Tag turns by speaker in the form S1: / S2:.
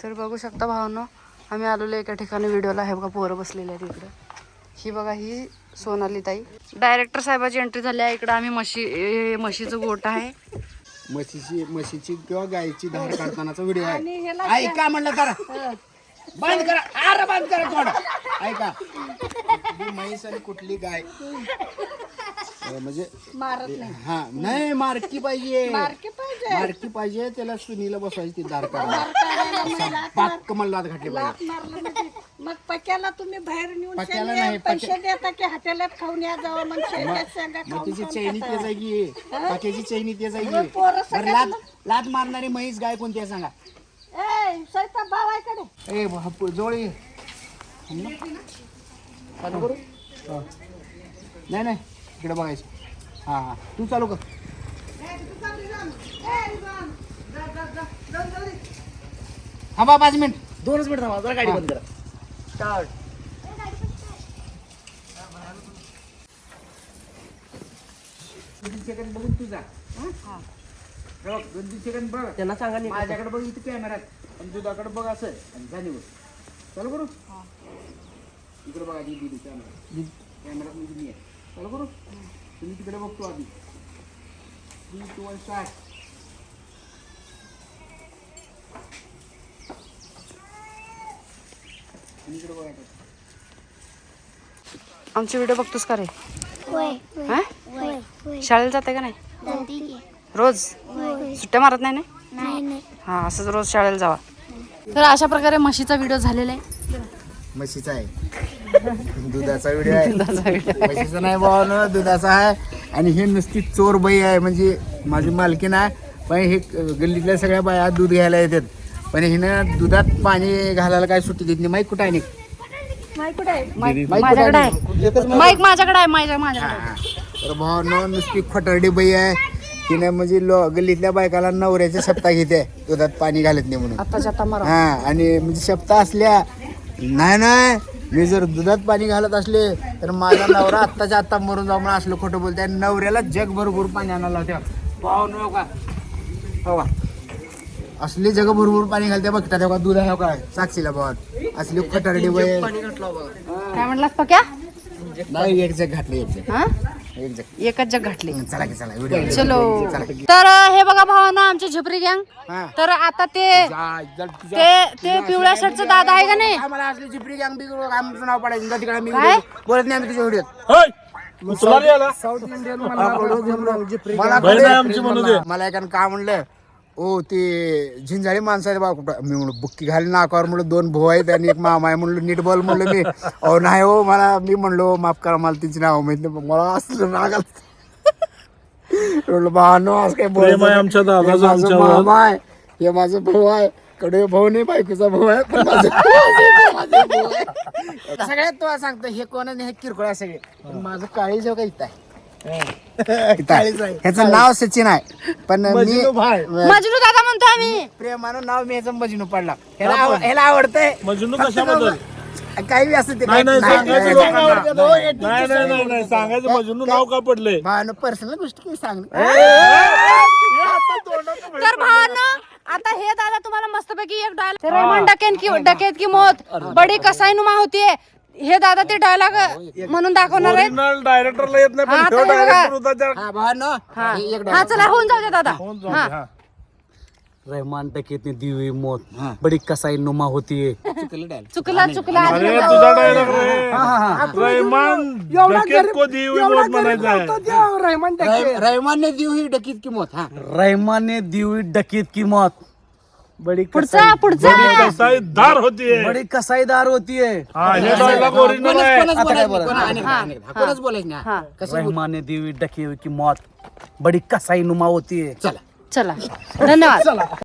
S1: तर बघू शकता भावांनो, आम्ही आलेलो एका ठिकाणी व्हिडिओला. हे बघा पोरं बसलेले आहेत इकडं. ही बघा ही सोनाली ताई. डायरेक्टर साहेबाची एंट्री झाली आहे. इकडं आम्ही म्हशीचं गोठ आहे.
S2: म्हशीची किंवा गायची धार काढतानाचा व्हिडिओ आहे. ऐका म्हणलं तर बंद करा. अरे बंद करा कोण. ऐका, कुठली म्हैस आणि कुठली गाय म्हणजे हा नाही मारकी पाहिजे. मारकी पाहिजे त्याला सुनीला बसवायची ती धार काढायला. पाक मला लाद घातली पाहिजे.
S3: मग पक्याला तुम्ही बाहेर नेऊन
S2: पक्याला नाही,
S3: पैसे देता की हॉटेलात खाऊन या जावं. मग
S2: तिची चैनी ते जागी पाक्याची चैनी ते जागी. लात मारणारी म्हैस गाय कोणती आहे सांगा.
S3: स्वयंपाक भावाकडे
S2: ए जोळी चालू करू. नाही नाही इकडे बघायचं. हा हा तू चालू कर. हा बा 5 मिनिट
S4: 2 मिनिट थांबा जरा गाडी बंद करा.
S2: स्टार्ट. सेकंड बघून तुझा 2-3 सेकंड बघ.
S4: त्यांना सांगा नाही.
S2: माझ्याकडे बघ इथे कॅमेरात आणि दुधाकडे बघ असं आणि जाणीवर चालू करू. इकडे बघा दीदी कॅमेरात म्हणजे मी आहे. चालू करू. तुम्ही तिकडे बघतो आधी. 3, 2, 1 स्टार्ट. इकडे बघा.
S1: आमचे व्हिडिओ बघतोस का रे? हा?
S5: होय
S1: शाळेला जाते का नाही? रोज सुट्ट्या मारत नाही ना? हा असंच रोज शाळेला जावा. तर अशा प्रकारे म्हशीचा व्हिडिओ झालेला आहे.
S2: म्हशीचा आहे. दुधाचा व्हिडिओ आहे. म्हशीचा नाही भावानं दुधाचा आहे. आणि हे नुसती चोर बाई आहे. म्हणजे माझी मालकीण आहे. पण हे गल्लीतल्या सगळ्या बाया दूध घ्यायला येतात. पण हिनं दुधात पाणी घालायला काय सुट्टी देत नाही. माईक कुठं आहे?
S1: माझ्याकडे आहे माईक. माझ्याकडे आहे माझ्याकडे.
S2: तर भावानं नुसती खोटारडी बाई आहे. तिने म्हणजे गल्लीतल्या बायकाला नवऱ्याच्या शब्दा घेते दुधात पाणी घालत नाही म्हणून.
S1: आताच्या आता मारा.
S2: हा आणि म्हणजे शब्दा असल्या नाही मी जर दुधात पाणी घालत असले तर माझा नवरा आत्ताच्या आत्ता मरून जाऊ म्हणून असलं खोटं बोलते. आणि नवऱ्याला जगभरभर पाणी आणायला लावते. पाहू न का हो का असली जग भरपूर पाणी घालते बघता तेव्हा दूध आहे का साक्षीला भावात असली खोटारडी बाई.
S1: काय म्हटलास पक्या?
S2: नाही एक जग घातली.
S1: हा
S2: एक जग
S1: एकच जग घातली.
S2: चला की चला व्हिडिओ
S1: चलो. तर हे बघा भावांनो आमचे झपरी गँग. तर आता ते पिवळ्या शर्टचा दादा आहे का नाही?
S2: मला असली चिपरी गँग बी आमचं नाव पडायचं तिकडे मी
S1: काय?
S2: बोलत नाही आम्ही तुझ्या व्हिडिओत. साऊथ इंडियन मला एकानं का म्हणलं ओ ते झिंजाळी माणसं आहे बा कुठं. मी म्हणलं बुक्की घाली नाकावर म्हणलं 2 भाऊ आहेत आणि एक मामा आहे म्हणलं नीट बोल म्हणलं. मी अहो नाही हो मला मी म्हणलो माफ करा मला तिची नाव माहित नाही. मला असलं राग म्हणलं भावानो आज काय बोल. मामा आहे हे माझं भाऊ आहे. कडे भाऊ नाही बायकोचा भाऊ आहे. पण सगळ्यात तुला सांगतो हे कोण हे किरकोळ आहे सगळे. माझं काळी जेव्हा काही इथं आहे. ह्याचं नाव सचिन आहे पण
S1: मजनू दादा म्हणतो आम्ही.
S2: प्रेमानं नाव मी ह्याचं मजनू पडला. ह्याला आवडतंय
S4: मजनू कशाबद्दल?
S2: काही असं ते
S4: नाही सांगायचं मजनू नाव का पडलंय?
S2: पर्सनल गोष्टी काही सांग.
S1: तर भावांनो आता हे दादा तुम्हाला मस्तपैकी एक डायलॉग रेमन डकेत की मौत बडी कसाई नुमा होतीये हे दादा ते डायलॉग म्हणून दाखवणार आहेत.
S4: डायरेक्टरला येत नाही पण तो डायरेक्टर होता त्या.
S1: हा चला होऊन जाऊ दे दादा. हा
S4: रहमान डकैत ने दी हुई मौत बड़ी कसाई नुमा होती है.
S1: चुकला
S4: अरे तुझा डायलॉग रे. रहमान डकैत को दी हुई मौत म्हणायचा आहे.
S2: रहमान ने दी हुई डकीत की मौत. हा
S4: रहमान ने दी हुई डकैत की मौत बड़ी
S1: पुढचा
S4: कसाईदार होती है. बड़ी कसाईदार होती है. हे डायलॉग ओरिजिनल आहे.
S2: कोणाच बोलायचं नाही.
S4: रहमान ने दी हुई डकी हुई की मौत बड़ी कसाई नुमा होती है.
S2: चला
S1: चला धन्यवाद.